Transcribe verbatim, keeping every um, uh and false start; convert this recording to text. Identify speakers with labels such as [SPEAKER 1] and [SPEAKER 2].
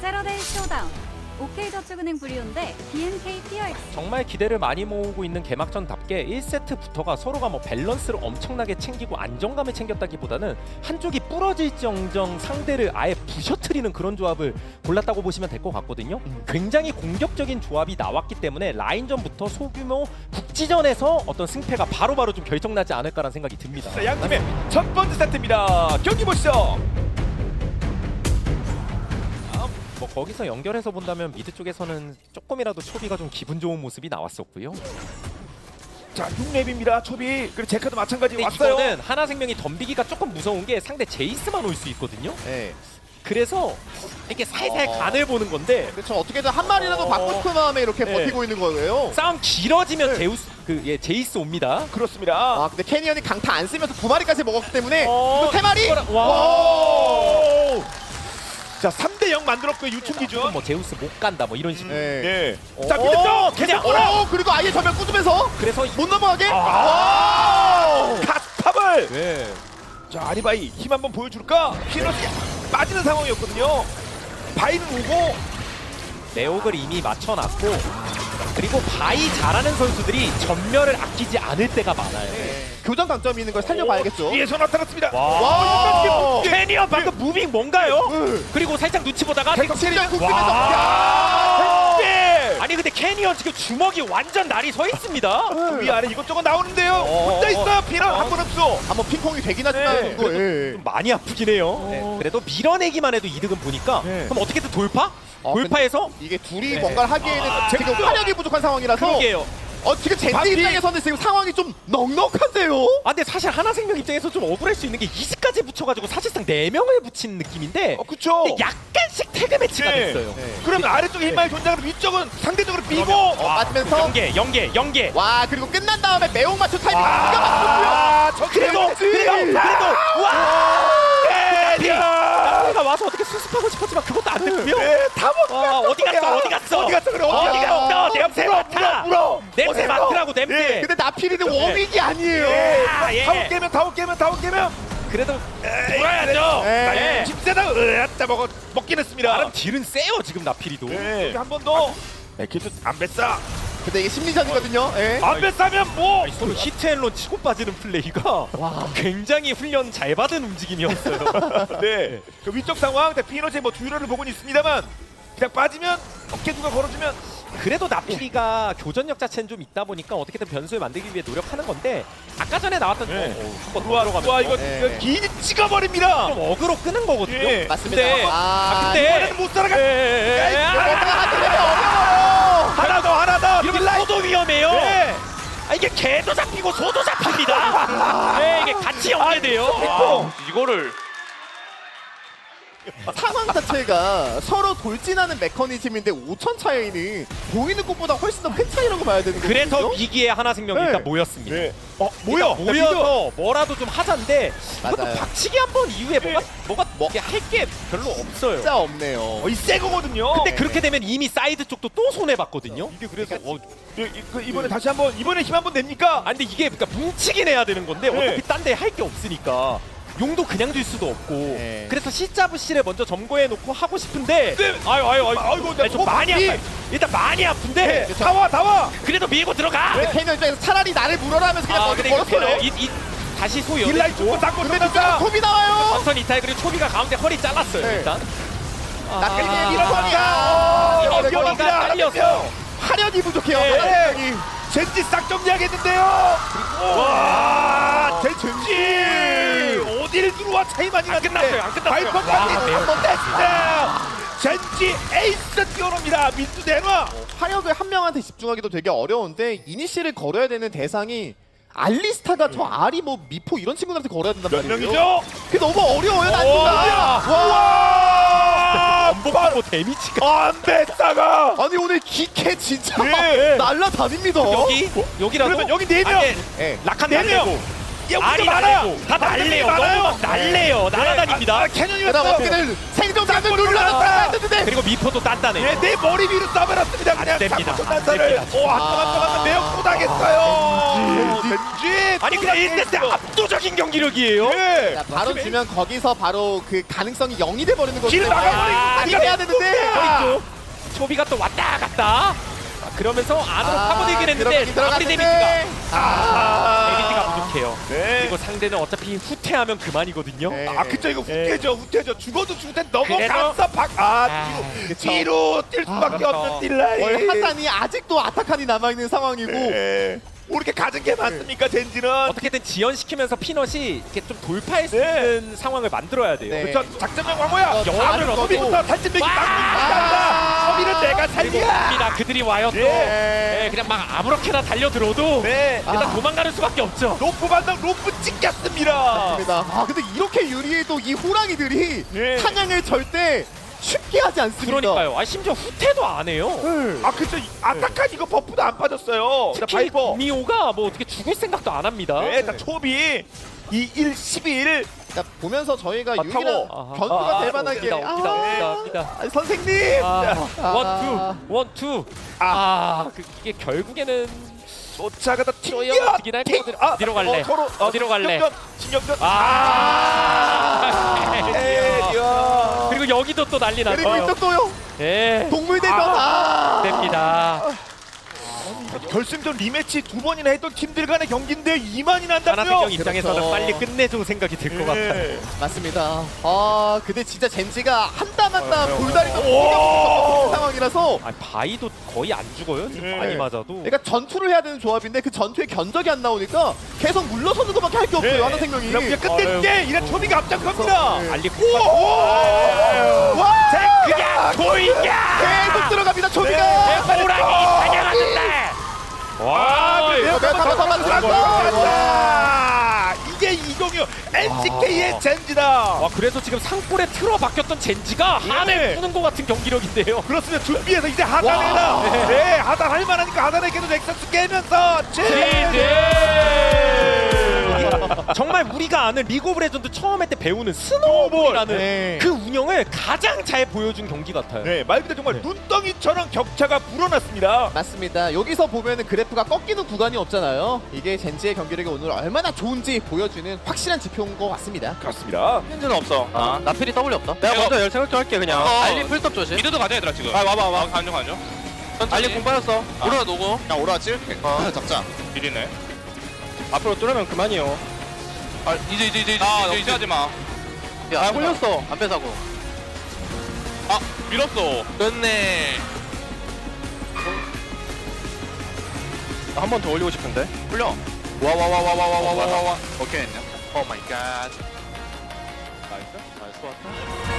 [SPEAKER 1] 세러데이 쇼다운 오케이저축은행 브리온 대 비엔케이 피어엑스.
[SPEAKER 2] 정말 기대를 많이 모으고 있는 개막전답게 일 세트부터가 서로가 뭐 밸런스를 엄청나게 챙기고 안정감을 챙겼다기보다는 한쪽이 부러질정정 상대를 아예 부셔트리는 그런 조합을 골랐다고 보시면 될 것 같거든요.
[SPEAKER 3] 음.
[SPEAKER 2] 굉장히 공격적인 조합이 나왔기 때문에 라인전부터 소규모 국지전에서 어떤 승패가 바로바로 좀 결정나지 않을까라는 생각이 듭니다.
[SPEAKER 3] 자, 양 팀의 첫 번째 세트입니다. 경기 보시죠.
[SPEAKER 2] 뭐 거기서 연결해서 본다면 미드 쪽에서는 조금이라도 초비가 좀 기분 좋은 모습이 나왔었고요.
[SPEAKER 3] 자, 육 렙입니다. 초비. 그리고 제카도 마찬가지
[SPEAKER 2] 근데
[SPEAKER 3] 왔어요.
[SPEAKER 2] 이거는 하나생명이 덤비기가 조금 무서운 게 상대 제이스만 올 수 있거든요.
[SPEAKER 4] 네.
[SPEAKER 2] 그래서 이렇게 살살
[SPEAKER 4] 어.
[SPEAKER 2] 간을 보는 건데
[SPEAKER 4] 그렇죠. 어떻게든 한 마리라도
[SPEAKER 2] 어.
[SPEAKER 4] 받고 싶은 마음에 이렇게
[SPEAKER 2] 네.
[SPEAKER 4] 버티고 있는 거예요.
[SPEAKER 2] 싸움 길어지면
[SPEAKER 4] 네.
[SPEAKER 2] 제우스 그 예 제이스 옵니다.
[SPEAKER 3] 그렇습니다.
[SPEAKER 4] 아 근데 캐니언이 강타 안 쓰면서 두 마리까지 먹었기 때문에
[SPEAKER 2] 어,
[SPEAKER 4] 이거 세 마리.
[SPEAKER 2] 이거라- 와.
[SPEAKER 3] 와. 자, 삼 대 영 만들었고요. 유충 기준.
[SPEAKER 2] 뭐 제우스 못 간다 뭐 이런 식으로.
[SPEAKER 4] 네.
[SPEAKER 3] 예.
[SPEAKER 2] 어,
[SPEAKER 3] 자, 미드 쪽
[SPEAKER 2] 그냥
[SPEAKER 3] 계속 올라.
[SPEAKER 4] 어 그리고 아예 전면 꾸주면서
[SPEAKER 2] 그래서
[SPEAKER 4] 못 넘어가게.
[SPEAKER 3] 아. 갓탑을.
[SPEAKER 2] 네.
[SPEAKER 3] 자, 아리바이 힘 한번 보여줄까? 피너스 빠지는 상황이었거든요. 바이는 오고.
[SPEAKER 2] 내옥을 이미 맞춰놨고 그리고 바이 잘하는 선수들이 전멸을 아끼지 않을 때가 많아요.
[SPEAKER 4] 네. 교전 강점이 있는 걸 살려봐야겠죠.
[SPEAKER 3] 뒤에서 나타났습니다.
[SPEAKER 2] 와.
[SPEAKER 4] 와.
[SPEAKER 2] 캐니언 방금 무빙 뭔가요?
[SPEAKER 4] 네.
[SPEAKER 2] 그리고 살짝 눈치 보다가
[SPEAKER 4] 백칠년 국면서
[SPEAKER 3] 와. 네.
[SPEAKER 2] 아니 근데 캐니언 지금 주먹이 완전 날이 서 있습니다.
[SPEAKER 3] 위 아래 이것저것 나오는데요.
[SPEAKER 2] 어,
[SPEAKER 3] 혼자
[SPEAKER 2] 어,
[SPEAKER 3] 있어. 피너
[SPEAKER 2] 어.
[SPEAKER 3] 한 번 없어.
[SPEAKER 4] 한번 핑퐁이 되긴 하지만
[SPEAKER 3] 네.
[SPEAKER 4] 이거 예.
[SPEAKER 2] 좀 많이 아프긴 해요. 네. 그래도 밀어내기만 해도 이득은 보니까
[SPEAKER 3] 네.
[SPEAKER 2] 그럼 어떻게든 돌파?
[SPEAKER 4] 어,
[SPEAKER 2] 돌파해서
[SPEAKER 4] 이게 둘이
[SPEAKER 2] 네.
[SPEAKER 4] 뭔가를 하기에는
[SPEAKER 3] 아,
[SPEAKER 4] 지금
[SPEAKER 3] 재밌죠?
[SPEAKER 4] 화력이 부족한 상황이라서
[SPEAKER 2] 그러게요.
[SPEAKER 4] 어 지금 젠지
[SPEAKER 3] 반피.
[SPEAKER 4] 입장에서는 지금 상황이 좀 넉넉한데요.
[SPEAKER 2] 아 근데 사실 하나생명 입장에서 좀 억울할 수 있는 게 이즈까지 붙여가지고 사실상 네 명을 붙인 느낌인데
[SPEAKER 3] 어, 그쵸.
[SPEAKER 2] 근데 약간씩 태그 매치가
[SPEAKER 3] 네.
[SPEAKER 2] 됐어요.
[SPEAKER 4] 네.
[SPEAKER 3] 그러면 아래쪽에 힘만이 존재하고 위쪽은 상대적으로 비고.
[SPEAKER 4] 어, 맞으면서
[SPEAKER 2] 연계 연계 연계.
[SPEAKER 4] 와 그리고 끝난 다음에 매혹 맞춤 타이밍 기가 막혔고요.
[SPEAKER 3] 아, 저
[SPEAKER 2] 그래도 그래도 그래도 와.
[SPEAKER 3] 야.
[SPEAKER 2] 가 와서 어떻게 수습하고 싶었지만 그것도 안 됐고요.
[SPEAKER 3] 네, 다 먹.
[SPEAKER 2] 와 어디 갔어 어디 갔어
[SPEAKER 3] 어디 갔어 그래
[SPEAKER 2] 어디
[SPEAKER 3] 어디
[SPEAKER 2] 갔어
[SPEAKER 3] 갔어.
[SPEAKER 2] 냄새 맡아
[SPEAKER 3] 물어.
[SPEAKER 2] 냄새
[SPEAKER 3] 어디서?
[SPEAKER 2] 맡으라고 냄새.
[SPEAKER 3] 네.
[SPEAKER 4] 근데 나필이는 워믹이 아니에요.
[SPEAKER 3] 예.
[SPEAKER 2] 아, 예.
[SPEAKER 3] 다운 깨면 다운 깨면 다운 깨면.
[SPEAKER 2] 그래도
[SPEAKER 3] 돌아야죠.
[SPEAKER 4] 네.
[SPEAKER 3] 집세다 으았다 먹어 먹긴 했습니다.
[SPEAKER 2] 나름 딜은 세요 지금 나필이도.
[SPEAKER 3] 네. 한 번 더. 네, 계속 안 뱃싸.
[SPEAKER 4] 근데 이게 심리전이거든요. 예.
[SPEAKER 3] 안 뱃싸면 뭐?
[SPEAKER 2] 아니, 서로 히트앤런 치고 빠지는 플레이가 굉장히 훈련 잘 받은 움직임이었어요.
[SPEAKER 3] 네. 그 위쪽 상황, 피노제 뭐 듀러를 보고는 있습니다만 그냥 빠지면 어깨 누가 걸어주면
[SPEAKER 2] 그래도 나필이가 교전력 자체는 좀 있다 보니까 어떻게든 변수를 만들기 위해 노력하는 건데 아까 전에 나왔던
[SPEAKER 3] 네.
[SPEAKER 2] 어, 어, 한번
[SPEAKER 3] 들어와
[SPEAKER 2] 들어가면
[SPEAKER 3] 와 이거
[SPEAKER 4] 네.
[SPEAKER 3] 이거 긴 찍어버립니다.
[SPEAKER 2] 좀 어그로 끄는 거거든요.
[SPEAKER 3] 예.
[SPEAKER 4] 맞습니다.
[SPEAKER 2] 근데
[SPEAKER 4] 아,
[SPEAKER 2] 아, 근데
[SPEAKER 3] 이번에는 못 살아가.
[SPEAKER 2] 예, 예, 예. 아,
[SPEAKER 4] 뭔가 하게 되면 어려워요.
[SPEAKER 3] 하나 더 하나 더.
[SPEAKER 2] 이러면 소도 위험해요.
[SPEAKER 3] 네.
[SPEAKER 2] 아, 이게 개도 잡히고 소도 잡힙니다. 네, 이게 같이 연계돼요.
[SPEAKER 3] 와,
[SPEAKER 2] 이거를
[SPEAKER 4] 상황 자체가 서로 돌진하는 메커니즘인데 오천 차이는 보이는 것보다 훨씬 더 큰 차이라고 봐야 되는 거거든요.
[SPEAKER 2] 그래서 위기에 하나생명이
[SPEAKER 4] 네.
[SPEAKER 2] 일단 모였습니다.
[SPEAKER 3] 네. 어 뭐야?
[SPEAKER 2] 일단 모여서 뭐라도 좀 하자인데
[SPEAKER 4] 맞아요.
[SPEAKER 2] 그것도 박치기 한 번 이후에 뭐가 뭐가
[SPEAKER 4] 뭐.
[SPEAKER 2] 할 게 별로 없어요.
[SPEAKER 4] 진짜 없네요.
[SPEAKER 3] 어, 이새 거거든요.
[SPEAKER 2] 근데 그렇게 되면 이미 사이드 쪽도 또 손해 봤거든요.
[SPEAKER 3] 이게 그래서 어, 이, 이, 그 이번에 다시 한번 이번에 힘 한번 냅니까?
[SPEAKER 2] 아 근데 이게 그러니까 뭉치긴 해야 되는 건데
[SPEAKER 3] 네.
[SPEAKER 2] 어차피 딴 데 할 게 없으니까 용도 그냥 줄 수도 없고
[SPEAKER 4] 네.
[SPEAKER 2] 그래서 시자부시를 먼저 점거해 놓고 하고 싶은데
[SPEAKER 3] 네.
[SPEAKER 2] 아유 아유 아유
[SPEAKER 3] 아이고,
[SPEAKER 2] 아니, 좀 많이
[SPEAKER 3] 이-
[SPEAKER 2] 아파 일단 많이 아픈데
[SPEAKER 3] 네. 다 와, 다 와.
[SPEAKER 2] 그래도 밀고 들어가.
[SPEAKER 4] 근데 캐니언 입장에서 차라리 나를 물어라 하면서 그냥
[SPEAKER 2] 아
[SPEAKER 4] 먼저
[SPEAKER 2] 근데 이거
[SPEAKER 4] 걸었어요.
[SPEAKER 2] 이, 이 다시 소요.
[SPEAKER 3] 딜라이 쪽고 잡고
[SPEAKER 4] 근데
[SPEAKER 3] 들어갔다.
[SPEAKER 4] 톱이 나와요.
[SPEAKER 2] 선선 이탈 그리고 초비가 가운데 허리 잘랐어요
[SPEAKER 4] 네.
[SPEAKER 2] 일단.
[SPEAKER 4] 나필이의
[SPEAKER 2] 아,
[SPEAKER 4] 밀어버리가.
[SPEAKER 3] 이거
[SPEAKER 2] 허리가
[SPEAKER 3] 위험합니다.
[SPEAKER 2] 잘려서.
[SPEAKER 4] 화력이 부족해요.
[SPEAKER 2] 네.
[SPEAKER 4] 화력이.
[SPEAKER 3] 젠지 싹 정리하겠는데요. 와, 젠지 어디를 들어와 차이 많이
[SPEAKER 2] 안
[SPEAKER 3] 났는데.
[SPEAKER 2] 끝났어요, 안 끝났어요.
[SPEAKER 3] 발퍼까지
[SPEAKER 2] 와, 매우
[SPEAKER 3] 한번 됐어요. 젠지 에이스 뛰어옵니다. 민수 대놔.
[SPEAKER 4] 화력을 한 명한테 집중하기도 되게 어려운데 이니시를 걸어야 되는 대상이 알리스타가 저 아리 뭐 미포 이런 친구들한테 걸어야 된단
[SPEAKER 3] 몇
[SPEAKER 4] 말이에요.
[SPEAKER 3] 명이죠?
[SPEAKER 4] 그게 너무 어려워요 난이가.
[SPEAKER 3] 와,
[SPEAKER 2] 반복하고 데미지가
[SPEAKER 3] 안 뱃싸가.
[SPEAKER 4] 아니 오늘 기캐 진짜
[SPEAKER 3] 네.
[SPEAKER 4] 날라다닙니다.
[SPEAKER 2] 여기 여기라도
[SPEAKER 3] 그러면 여기 네 명.
[SPEAKER 2] 아예
[SPEAKER 4] 예.
[SPEAKER 2] 라칸
[SPEAKER 3] 네
[SPEAKER 2] 날리고
[SPEAKER 3] 명. 야,
[SPEAKER 2] 알이
[SPEAKER 3] 우리가 많아.
[SPEAKER 2] 날리고 다 날래요.
[SPEAKER 3] 많아요.
[SPEAKER 2] 너무 막 날래요. 날아다닙니다.
[SPEAKER 3] 아, 아,
[SPEAKER 4] 그다음
[SPEAKER 3] 캐년이었어.
[SPEAKER 4] 어떻게든 생존자들
[SPEAKER 3] 아,
[SPEAKER 4] 눌러놨다 했는데
[SPEAKER 2] 그리고 미포도 단단해.
[SPEAKER 3] 네, 내 머리 위로 쏴버렸습니다. 그냥
[SPEAKER 2] 됩니다.
[SPEAKER 3] 장구총
[SPEAKER 2] 안
[SPEAKER 3] 난사를.
[SPEAKER 2] 됩니다.
[SPEAKER 3] 오, 한번 한번 매우 고당했어요. 덴지.
[SPEAKER 2] 아니 근데 일 세트 압도적인 경기력이에요.
[SPEAKER 3] 예.
[SPEAKER 4] 자, 바로 주면 거기서 바로 그 가능성이 영이 돼 버리는 거죠.
[SPEAKER 3] 길 막아버리고
[SPEAKER 4] 아니 해야 되는데.
[SPEAKER 2] 아, 초비가 또 왔다 갔다. 아, 그러면서 안으로
[SPEAKER 4] 아,
[SPEAKER 2] 파고들긴 했는데
[SPEAKER 4] 들어가긴
[SPEAKER 2] 아무리
[SPEAKER 4] 들어갔는데.
[SPEAKER 2] 데미지가
[SPEAKER 3] 아,
[SPEAKER 2] 데미지가 부족해요.
[SPEAKER 3] 네.
[SPEAKER 2] 그리고 상대는 어차피 후퇴하면 그만이거든요.
[SPEAKER 4] 네.
[SPEAKER 3] 아, 그쵸, 이거 후퇴죠, 후퇴죠. 죽어도 죽을 땐
[SPEAKER 2] 그래도-
[SPEAKER 3] 넘어가서 박, 아,
[SPEAKER 2] 아,
[SPEAKER 3] 뒤로,
[SPEAKER 4] 그쵸.
[SPEAKER 3] 뒤로 뛸 수밖에
[SPEAKER 2] 그렇죠.
[SPEAKER 3] 없는 딜라이.
[SPEAKER 4] 월 하단이 아직도 아타칸이 남아 있는 상황이고.
[SPEAKER 3] 네. 이렇게 가진 게 많습니까, 젠지는?
[SPEAKER 2] 어떻게든 지연시키면서 피넛이 이렇게 좀 돌파할 수
[SPEAKER 3] 네.
[SPEAKER 2] 있는 상황을 만들어야 돼요.
[SPEAKER 4] 네.
[SPEAKER 3] 그쵸, 작전명 광호야.
[SPEAKER 4] 어,
[SPEAKER 2] 영화를
[SPEAKER 4] 다른
[SPEAKER 3] 서비부터 탈진맥이
[SPEAKER 2] 와!
[SPEAKER 3] 막는다. 서비는 내가
[SPEAKER 2] 그리고
[SPEAKER 3] 살리야.
[SPEAKER 2] 갑니다. 그들이 와요 또.
[SPEAKER 3] 네.
[SPEAKER 2] 네, 그냥 막 아무렇게나 달려들어도
[SPEAKER 3] 네.
[SPEAKER 2] 일단
[SPEAKER 4] 아.
[SPEAKER 2] 도망가는 수밖에 없죠.
[SPEAKER 3] 로프 반당 로프 찍혔습니다.
[SPEAKER 4] 맞습니다. 아 근데 이렇게 유리해도 이 호랑이들이
[SPEAKER 3] 네.
[SPEAKER 4] 사냥을 절대 쉽게 하지 않습니다.
[SPEAKER 2] 그러니까요. 아 심지어 후퇴도 안 해요.
[SPEAKER 4] 네.
[SPEAKER 3] 아 그쵸, 아타칸 이거 버프도 안 빠졌어요. 자,
[SPEAKER 2] 특히
[SPEAKER 3] 바이퍼.
[SPEAKER 2] 미오가 뭐 어떻게 죽을 생각도 안 합니다.
[SPEAKER 3] 네, 자, 초비 이 일 십일.
[SPEAKER 4] 자, 보면서 저희가
[SPEAKER 3] 아,
[SPEAKER 4] 유일한
[SPEAKER 3] 타워.
[SPEAKER 2] 아하.
[SPEAKER 4] 변수가
[SPEAKER 2] 아,
[SPEAKER 4] 될 만하게
[SPEAKER 2] 옵니다, 옵니다, 옵니다, 옵니다.
[SPEAKER 4] 아, 선생님.
[SPEAKER 2] 아,
[SPEAKER 4] 아.
[SPEAKER 2] 원투, 원투. 아, 그, 이게 결국에는
[SPEAKER 3] 쫓아가다 튕겨.
[SPEAKER 2] 뛰어넘기긴 할
[SPEAKER 3] 튕-
[SPEAKER 2] 거거든.
[SPEAKER 3] 아,
[SPEAKER 2] 어디로 갈래?
[SPEAKER 3] 어, 서로 어,
[SPEAKER 2] 어디로 갈래?
[SPEAKER 3] 진격전, 진격전.
[SPEAKER 2] 아.
[SPEAKER 3] 에이야.
[SPEAKER 2] 그리고 여기도 또 난리
[SPEAKER 4] 그리고
[SPEAKER 2] 났어요.
[SPEAKER 4] 이쪽도요.
[SPEAKER 2] 예,
[SPEAKER 4] 동물대전. 아.
[SPEAKER 2] 됩니다.
[SPEAKER 3] 결승전 리매치 두 번이나 했던 팀들 간의 경기인데 이만이 난다고요?
[SPEAKER 2] 하나생명 입장에서는
[SPEAKER 4] 그렇죠.
[SPEAKER 2] 빨리 끝내줄 생각이 들 것 같아요.
[SPEAKER 3] 네.
[SPEAKER 4] 맞습니다. 아, 근데 진짜 젠지가 한 땀 한 땀
[SPEAKER 3] 어, 어,
[SPEAKER 4] 돌다리도
[SPEAKER 3] 오.
[SPEAKER 4] 없는 상황이라서
[SPEAKER 2] 아, 바이도 거의 안 죽어요. 지금
[SPEAKER 3] 네.
[SPEAKER 2] 많이 맞아도.
[SPEAKER 4] 그러니까 전투를 해야 되는 조합인데 그 전투에 견적이 안 나오니까 계속 물러서는 것밖에 할 게 없어요.
[SPEAKER 3] 네.
[SPEAKER 4] 하나생명이.
[SPEAKER 3] 그럼 이제 끝낼게. 이래 초비가 앞장섭니다.
[SPEAKER 4] 네.
[SPEAKER 2] 알리
[SPEAKER 3] 오!
[SPEAKER 4] 와!
[SPEAKER 3] 그냥 보이냐?
[SPEAKER 4] 계속 들어갑니다. 초비가.
[SPEAKER 3] 네.
[SPEAKER 2] 호랑이 사냥하는데.
[SPEAKER 3] 와,
[SPEAKER 2] 와,
[SPEAKER 3] 그래요.
[SPEAKER 4] 내가 다 잡았어.
[SPEAKER 3] 와, 이게 이동io 엔씨케이의 젠지다.
[SPEAKER 2] 와, 그래서 지금 상골에 틀어박혔던 젠지가
[SPEAKER 3] 네.
[SPEAKER 2] 한에 푸는 것 같은 경기력인데요.
[SPEAKER 3] 그렇습니다. 준비해서 이제 하단에다.
[SPEAKER 2] 와.
[SPEAKER 3] 네, 하단 할 만하니까 하단에게도 넥서스 깨면서 제.
[SPEAKER 2] 정말 우리가 아는 리그 오브 레전드 처음 할 때 배우는 스노우볼이라는
[SPEAKER 4] 네.
[SPEAKER 2] 그 운영을 가장 잘 보여준 경기 같아요.
[SPEAKER 3] 네, 말 그대로 정말 눈덩이처럼 격차가 불어났습니다.
[SPEAKER 4] 맞습니다. 여기서 보면은 그래프가 꺾이는 구간이 없잖아요. 이게 젠지의 경기력이 오늘 얼마나 좋은지 보여주는 확실한 지표인 것 같습니다.
[SPEAKER 3] 그렇습니다.
[SPEAKER 5] 현재는 없어. 아, 나필이 더블이 없다. 내가 먼저 열 생각 좀 할게 그냥.
[SPEAKER 6] 어.
[SPEAKER 5] 알리 풀톱 조심.
[SPEAKER 6] 미드도 가자 얘들아 지금.
[SPEAKER 5] 아 와봐 와봐.
[SPEAKER 6] 간중 간중.
[SPEAKER 5] 알리 공 빠졌어.
[SPEAKER 6] 오라 노고.
[SPEAKER 5] 야 오라 찍을게. 어. 잡자.
[SPEAKER 6] 비리네.
[SPEAKER 5] 앞으로 뚫으면 그만이요.
[SPEAKER 6] 아 이제 이제 이제
[SPEAKER 5] 아,
[SPEAKER 6] 이제 이제 하지 마.
[SPEAKER 5] 아 홀렸어. 안 빼사고.
[SPEAKER 6] 아 밀었어.
[SPEAKER 5] 끝내. 한 번 더 올리고 싶은데. 홀려. 와와와와와와와와. 오케이. 오 마이 갓. 나이스. 나이스 왔다.